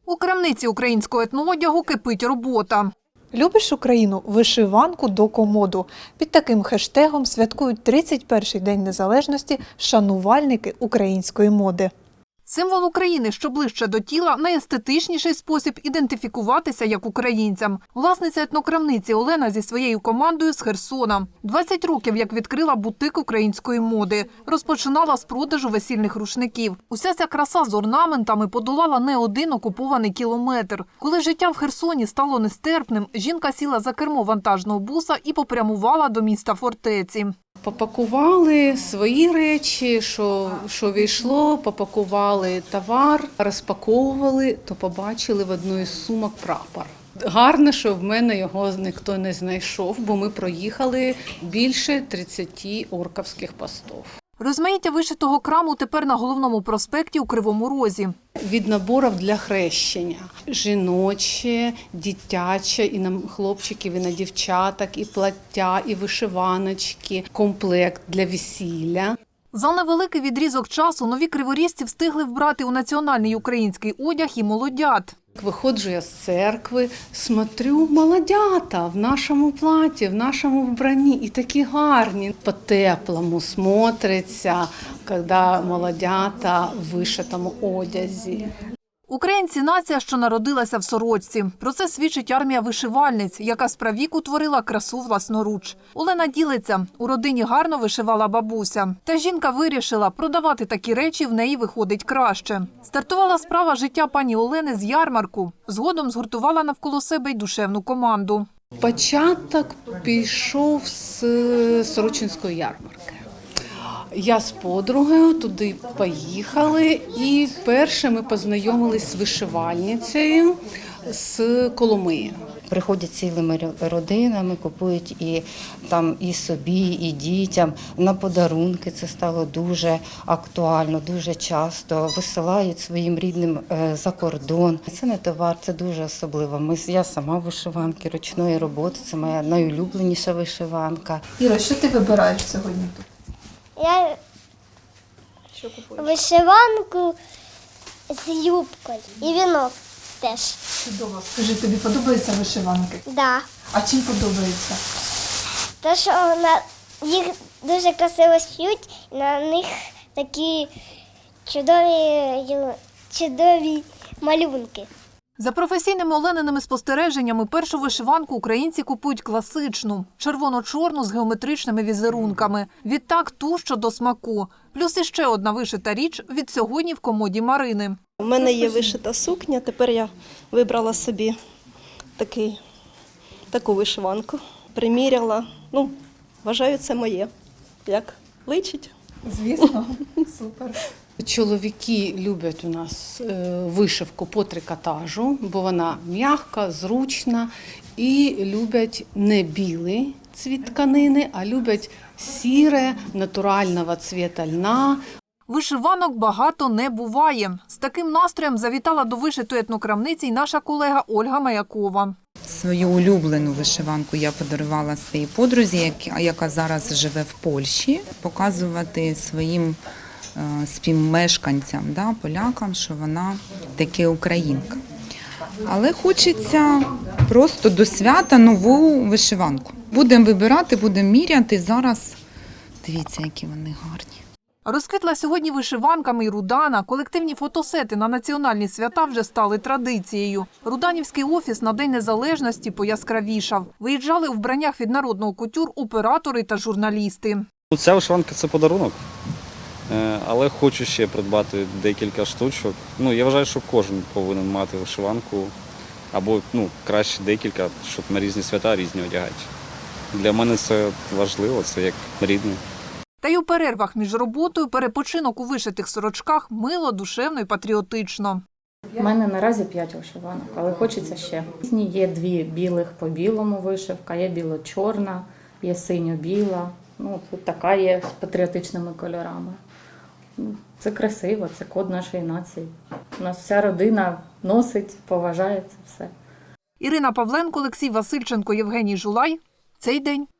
У крамниці українського етноодягу кипить робота. Любиш Україну? Вишиванку до комоду. Під таким хештегом святкують 31-й День Незалежності шанувальники української моди. Символ України, що ближче до тіла, найестетичніший спосіб ідентифікуватися як українцям. Власниця етнокрамниці Олена зі своєю командою з Херсона. 20 років, як відкрила бутик української моди. Розпочинала з продажу весільних рушників. Уся ця краса з орнаментами подолала не один окупований кілометр. Коли життя в Херсоні стало нестерпним, жінка сіла за кермо вантажного буса і попрямувала до міста фортеці. Попакували свої речі, що війшло, попакували товар, розпаковували, то побачили в одній з сумок прапор. Гарно, що в мене його ніхто не знайшов, бо ми проїхали більше 30 орківських постів. Розмаїття вишитого краму тепер на головному проспекті у Кривому Розі. Від наборів для хрещення. Жіноче, дитяче, і на хлопчиків, і на дівчаток, і плаття, і вишиваночки, комплект для весілля. За невеликий відрізок часу нові криворізці встигли вбрати у національний український одяг і молодят. Виходжу я з церкви, смотрю, молодята в нашому платі, в нашому вбранні, і такі гарні. По-теплому смотриться, коли молодята в вишитому одязі. Українці – нація, що народилася в сорочці. Про це свідчить армія вишивальниць, яка справіку творила красу власноруч. Олена ділиться, у родині гарно вишивала бабуся. Та жінка вирішила, продавати такі речі в неї виходить краще. Стартувала справа життя пані Олени з ярмарку. Згодом згуртувала навколо себе й душевну команду. Початок пішов з Сорочинської ярмарки. Я з подругою туди поїхали, і перше ми познайомились з вишивальницею з Коломиї. Приходять цілими родинами, купують і собі, і дітям. На подарунки це стало дуже актуально, дуже часто. Висилають своїм рідним за кордон. Це не товар, це дуже особливо. Я сама вишиванки ручної роботи, це моя найулюбленіша вишиванка. Іра, що ти вибираєш сьогодні тут? Я вишиванку з юбкою і вінок теж. Чудово. Скажи, тобі подобаються вишиванки? Да. А чим подобається? Те, що їх дуже красиво шиють, і на них такі чудові малюнки. За професійними Олениними спостереженнями першу вишиванку українці купують класичну – червоно-чорну з геометричними візерунками. Відтак ту, що до смаку. Плюс іще одна вишита річ від сьогодні в комоді Марини. У мене є вишита сукня, тепер я вибрала собі таку вишиванку. Приміряла, вважаю, це моє. Як личить? Звісно. Супер. Чоловіки люблять у нас вишивку по трикотажу, бо вона м'яка, зручна, і люблять не білий цвіт тканини, а люблять сіре, натурального цвіта льна. Вишиванок багато не буває. З таким настроєм завітала до вишитої етнокрамниці й наша колега Ольга Маякова. Свою улюблену вишиванку я подарувала своїй подрузі, яка зараз живе в Польщі, показувати своїм співмешканцям, полякам, що вона таки українка. Але хочеться просто до свята нову вишиванку. Будемо вибирати, будемо міряти. Зараз дивіться, які вони гарні. Розквітла сьогодні вишиванками й Рудана. Колективні фотосети на національні свята вже стали традицією. Руданівський офіс на День Незалежності пояскравішав. Виїжджали у вбраннях від народного кутюр оператори та журналісти. Ця вишиванка – це подарунок, але хочу ще придбати декілька штучок. Я вважаю, що кожен повинен мати вишиванку або краще декілька, щоб на різні свята різні одягати. Для мене це важливо, це як рідне. Та й у перервах між роботою перепочинок у вишитих сорочках мило, душевно і патріотично. У мене наразі 5 вишиванок, але хочеться ще. Є 2 білих по білому вишивка, є біло-чорна, є синьо-біла. Тут така є з патріотичними кольорами. Це красиво, це код нашої нації. У нас вся родина носить, поважає це все. Ірина Павленко, Олексій Васильченко, Євгеній Жулай. Цей день.